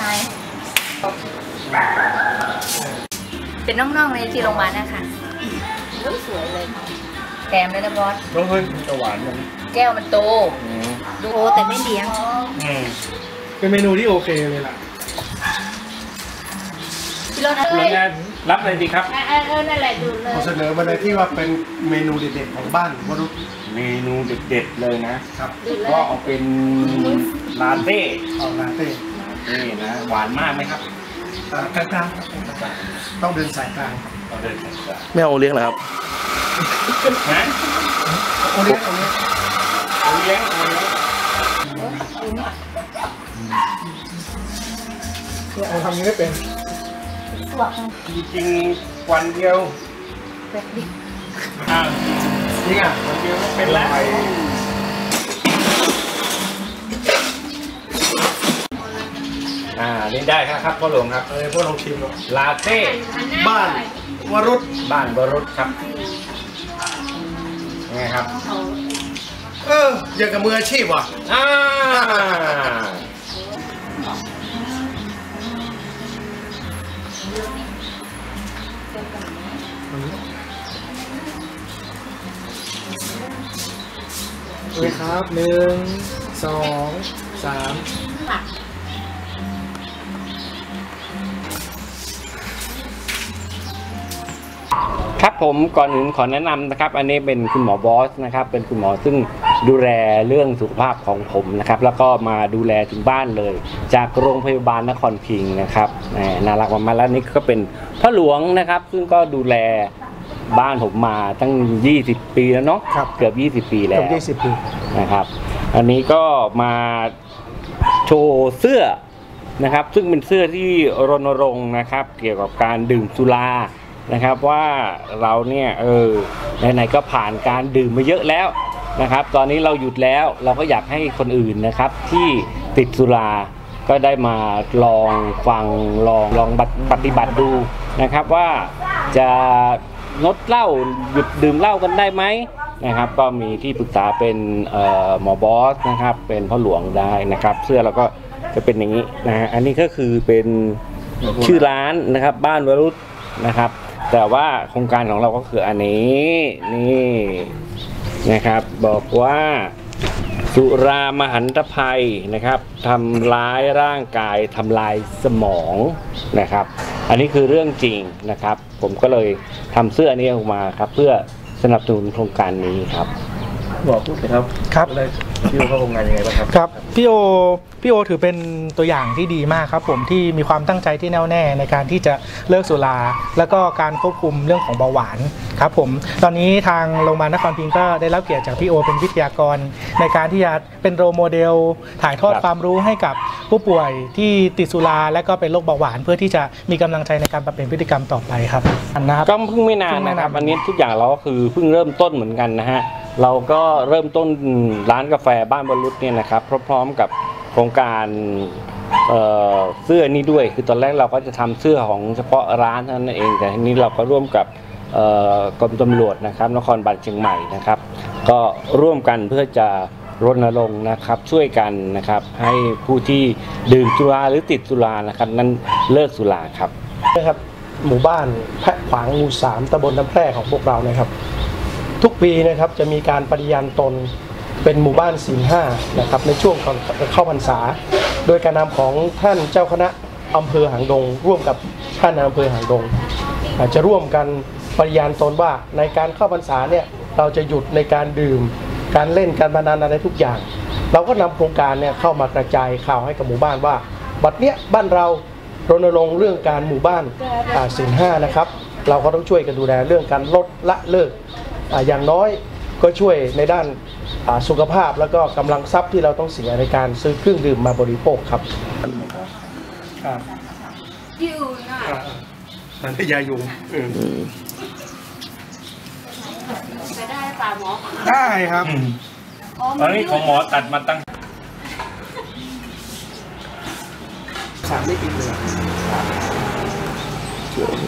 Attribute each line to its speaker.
Speaker 1: เป็นน้องๆในที่โรงพยาบาลนะคะสวยเลยแถมเลยนะบอส
Speaker 2: น้องเฮ้ยจะหวานมัน
Speaker 1: แก้วมันโตดูโตแต่ไม่เลี้ยง
Speaker 3: เป็นเมนูที่โอเคเลยล่ะ
Speaker 1: พี่รถเลย
Speaker 2: รับเลยดีครับ
Speaker 1: นั่นแหละดูเลย
Speaker 3: ขอเสนอมาเลยที่ว่าเป็นเมนูเด็ดๆของบ้านวรุษ
Speaker 2: เมนูเด็ดๆเลยนะครับก็เอาเป็นลาเต้
Speaker 3: ลาเต้
Speaker 2: นี่นะหวานมากไหมครับ
Speaker 3: กลางๆต้องเดินสายกลาง
Speaker 2: ต้องเดินสายกลาง
Speaker 4: ไม่เอาเลี้ยงเหรอครับ
Speaker 2: ฮะ
Speaker 3: โอเลี้ยงเอาทำนี้ไม่เป็น
Speaker 2: จริงๆวันเดียว
Speaker 3: จริงอ่ะ
Speaker 2: วันเดียวเป็นแล้วนี่ได้ครับพ่อหลวงครับ
Speaker 3: พ่อลองชิมดู
Speaker 2: ลาเต้
Speaker 3: บ้านวรุษ
Speaker 2: ครับนี่ครับ
Speaker 3: อย่างกับมืออาชีพว่ะเลยครับ1 2 3
Speaker 2: ครับผมก่อนอื่นขอแนะนำนะครับอันนี้เป็นคุณหมอบอสนะครับเป็นคุณหมอซึ่งดูแลเรื่องสุขภาพของผมนะครับแล้วก็มาดูแลถึงบ้านเลยจากโรงพยาบาลนครพิงค์นะครับน่ารักมากๆแล้วนี่ก็เป็นพ่อหลวงนะครับซึ่งก็ดูแลบ้านผมมาตั้ง20 ปีแล้วเนาะเกือบ20 ปีแล้ว
Speaker 3: 20 ปี
Speaker 2: นะครับอันนี้ก็มาโชว์เสื้อนะครับซึ่งเป็นเสื้อที่รณรงค์นะครับเกี่ยวกับการดื่มสุรานะครับว่าเราเนี่ยไหนๆก็ผ่านการดื่มมาเยอะแล้วนะครับตอนนี้เราหยุดแล้วเราก็อยากให้คนอื่นนะครับที่ติดสุราก็ได้มาลองฟังลองปฏิบัติดูนะครับว่าจะงดเหล้าหยุดดื่มเหล้ากันได้ไหมนะครับก็มีที่ปรึกษาเป็นหมอบอสนะครับเป็นพ่อหลวงได้นะครับเสื้อเราก็จะเป็นอย่างนี้นะฮะอันนี้ก็คือเป็นชื่อร้านนะครับบ้านวรุษนะครับแต่ว่าโครงการของเราก็คืออันนี้นี่นะครับบอกว่าสุรามหันตภัยนะครับทำร้ายร่างกายทำลายสมองนะครับอันนี้คือเรื่องจริงนะครับผมก็เลยทำเสื้อนี้ออกมาครับเพื่อสนับสนุนโครงการนี้ครับ
Speaker 4: บอกพูดเลยครับอะไรพี่โอเข้าโครงงานยังไงบ้างครับ
Speaker 3: ครับพี่โอถือเป็นตัวอย่างที่ดีมากครับผมที่มีความตั้งใจที่แน่วแน่ในการที่จะเลิกสุราแล้วก็การควบคุมเรื่องของเบาหวานครับผมตอนนี้ทางโรงพยาบาลนครพิงค์ก็ได้รับเกียรติจากพี่โอเป็นวิทยากรในการที่จะเป็นโรลโมเดลถ่ายทอดความรู้ให้กับผู้ป่วยที่ติดสุราและก็เป็นโรคเบาหวานเพื่อที่จะมีกำลังใจในการปรับเปลี่ยนพฤติกรรมต่อไปครับ
Speaker 2: นะครับก็เพิ่งไม่นานนะครับอันนี้ทุกอย่างเราก็คือเพิ่งเริ่มต้นเหมือนกันนะฮะเราก็เริ่มต้นร้านกาแฟบ้านวรุษเนี่ยนะครับพร้อมๆกับโครงการเสื้อนี้ด้วยคือตอนแรกเราก็จะทำเสื้อของเฉพาะร้านเท่านั้นเองแต่ทีนี้เราก็ร่วมกับกรมตำรวจนะครับนครบาลเชียงใหม่นะครับก็ร่วมกันเพื่อจะรณรงค์นะครับช่วยกันนะครับให้ผู้ที่ดื่มสุราหรือติดสุรานะครับนั้นเลิกสุราครับ
Speaker 3: นะครับหมู่บ้านแพะขวางหมู่ 3ตำบลน้ำแพร่ของพวกเรานะครับทุกปีนะครับจะมีการปฏิญาณตนเป็นหมู่บ้านศีล 5นะครับในช่วงก่อนเข้าพรรษาโดยการนำของท่านเจ้าคณะอำเภอหางดงร่วมกับท่านอำเภอหางดงจะร่วมกันปฏิญาณตนว่าในการเข้าพรรษาเนี่ยเราจะหยุดในการดื่มการเล่นการพนันอะไรทุกอย่างเราก็นำโครงการเนี่ยเข้ามากระจายข่าวให้กับหมู่บ้านว่าบัดเนี้ยบ้านเรารณรงค์เรื่องการหมู่บ้านศีล 5นะครับเราก็ต้องช่วยกันดูแลเรื่องการลดละเลิกอย่างน้อยก็ช่วยในด้านสุขภาพแล้วก็กำลังทรัพย์ที่เราต้องเสียในการซื้อเครื่องดื่มมาบริโภคครับนั่นคือยายุง
Speaker 1: จะได้ป่าหมอ
Speaker 3: ได้ครับ
Speaker 2: ตอนนี้ของหมอตัดมาตั้ง
Speaker 3: 3 ไม่ติดเลย